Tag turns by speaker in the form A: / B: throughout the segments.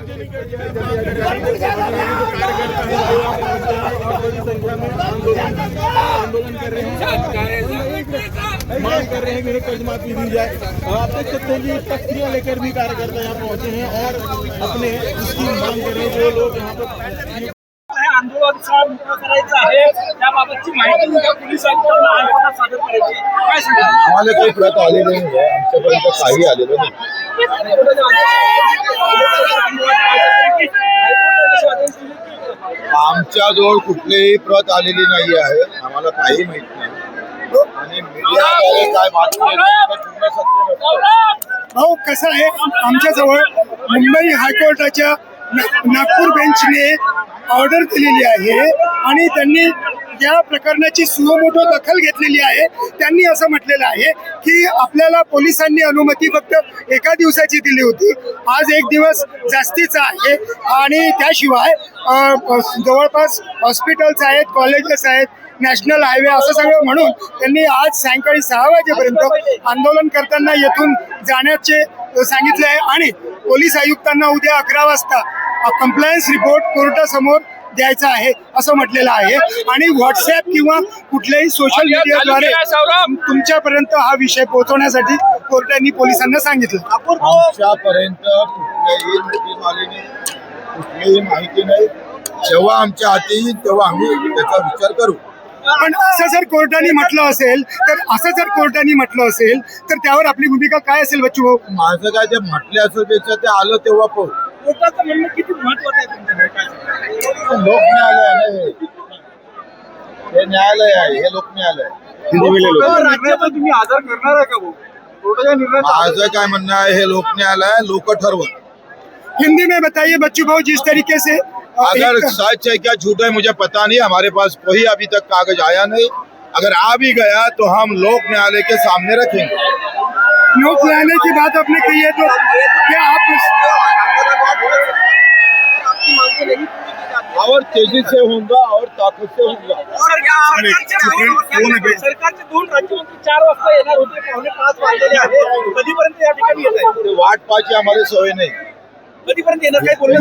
A: आंदोलन कर रहे हैं, मांग कर रहे हैं कि कर्ज माफी दी जाए। आप देख सकते हैं कि तख्तियां लेकर भी कार्यकर्ता यहाँ पहुंचे हैं और अपने इसकी मांग कर रहे हैं। जो लोग यहाँ पर
B: आंदोलन करायचं आहे त्याबाबतची माहिती पोलीस आयुक्तांना हायकोर्टात सादर करायची काय सांगा?
C: आम्हाला काही प्रत आलेली नाही आहे, आमच्यापर्यंत काही आलेलं नाही। आमच्याजवळ कुठलीही प्रत आलेली नाही आहे, आम्हाला काही माहित नाही आणि मीडियाद्वारे काय बातमी पूर्ण सत्य नसतं।
D: हो, कसं आहे, आमच्याजवळ मुंबई हायकोर्टाच्या नागपूर बेंचने ऑर्डर दिलेली आहे आणि त्यांनी या प्रकरणाची सुमोटो दखल घेतलेली आहे। त्यांनी असं म्हटलेलं आहे की आपल्याला पोलिसांनी अनुमती फक्त एका दिवसाची दिली होती, आज एक दिवस जास्तीचा आहे आणि त्याशिवाय जवळपास हॉस्पिटल्स आहेत, कॉलेजेस आहेत, नॅशनल हायवे असं सगळं म्हणून त्यांनी आज सायंकाळी 6 वाजेपर्यंत आंदोलन करताना येथून जाण्याचे सांगितले आहे आणि पोलीस आयुक्तांना उद्या 11 वाजता कंप्लायन्स रिपोर्ट कोर्टासमोर द्यायचा आहे असं म्हटलेलं आहे आणि व्हॉट्सॲप किंवा कुठल्याही सोशल मीडियाद्वारे तुमच्यापर्यंत हा विषय पोहोचवण्यासाठी कोर्टाने पोलिसांना सांगितलं।
C: आमच्यापर्यंत कुठल्याही नोटीस आली नाही, कुठलीही माहिती नाही। जेव्हा आमच्या हाती येईल तेव्हा आम्ही त्याचा विचार करू।
D: पण असं जर कोर्टाने म्हटलं असेल तर त्यावर आपली भूमिका काय असेल बच्चू भाऊ?
C: माझं काय ते म्हटले असेल त्याच्या ते आलं तेव्हा पाहू।
B: कोर्टाचं म्हणणं किती महत्वाचं आहे तुमच्याकडे काय सांगा?
C: लोक न्यायालय आहे, हे न्यायालय आहे, हे लोक न्यायालय आहे।
B: राज्याचा तुम्ही आदर करणार आहे का भाऊ? कोर्टाच्या निर्णयाचा
C: माझं काय म्हणणं आहे, हे लोक न्यायालय आहे, लोक ठरवत।
D: हिंदी में बताइए बच्चू भाऊ, जिस तरीके से
C: अगर सच है क्या झूठ है मुझे पता नहीं, हमारे पास कोई अभी तक कागज आया नहीं। अगर आ भी गया तो हम लोक न्यायालय के सामने रखेंगे।
D: लोक न्यायालय की बात आपने कही है तो क्या आप
C: और तेजी से होगा और ताकत से होगा।
B: सरकारचे 2 राज्यमंत्री 4 वाजता येणार होते, 4:45 वाजलेले आहे, कधीपर्यंत या ठिकाणी येत आहे?
C: वाट पाहायची आम्हाला सवय नाही।
B: कधीपर्यंत येणार काही बोलले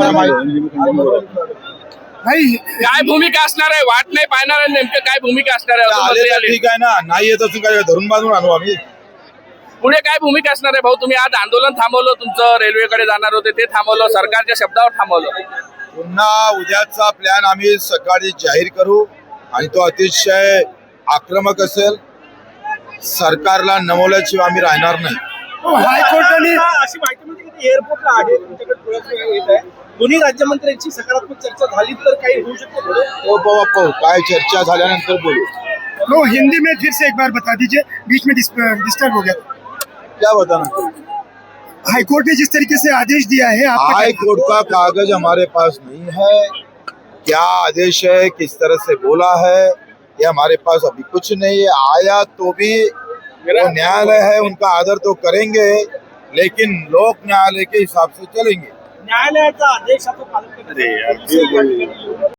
D: नाही
E: काय भूमिका असणार आहे? वाट नाही पाहणार आहे, नेमकं काय भूमिका असणार आहे?
C: आले तर ठीक आहे ना, नाही येत असून काय धरून बांधून आणू आम्ही?
E: पुढे काय भूमिका असणार आहे भाऊ? तुम्ही आज आंदोलन थांबवलं, तुमचं रेल्वेकडे जाणार होते ते थांबवलं, सरकारच्या शब्दावर थांबवलं,
C: पुन्हा उद्याचा प्लॅन आम्ही सकाळी जाहीर करू आणि तो अतिशय आक्रमक असेल। सरकारला नमवल्याशिवाय आम्ही राहणार नाही।
D: हायकोर्टाने
B: अशी माहिती मिळते की एअरपोर्टला आहे तुमच्याकडे थोडासा वेळ येत आहे, दोन्ही राज्यमंत्र्यांची सकारात्मक चर्चा झाली तर काही होऊ शकते पुढे?
C: तो पाहू काय चर्चा झाल्यानंतर बोलू।
D: तो हिंदी में फिर से एक बार बता दीजिए, बीच में डिस्टर्ब हो गया।
C: क्या बताना?
D: हाईकोर्ट ने जिस तरीके से आदेश दिया है, आपका
C: हाई कोर्ट का कागज हमारे पास नहीं है, क्या आदेश है, किस तरह से बोला है, ये हमारे पास अभी कुछ नहीं है। आया तो भी वो न्यायालय है, उनका आदर तो करेंगे, लेकिन लोक न्यायालय के हिसाब से चलेंगे।
B: न्यायालयाचा आदेशाचं पालन करण्यासाठी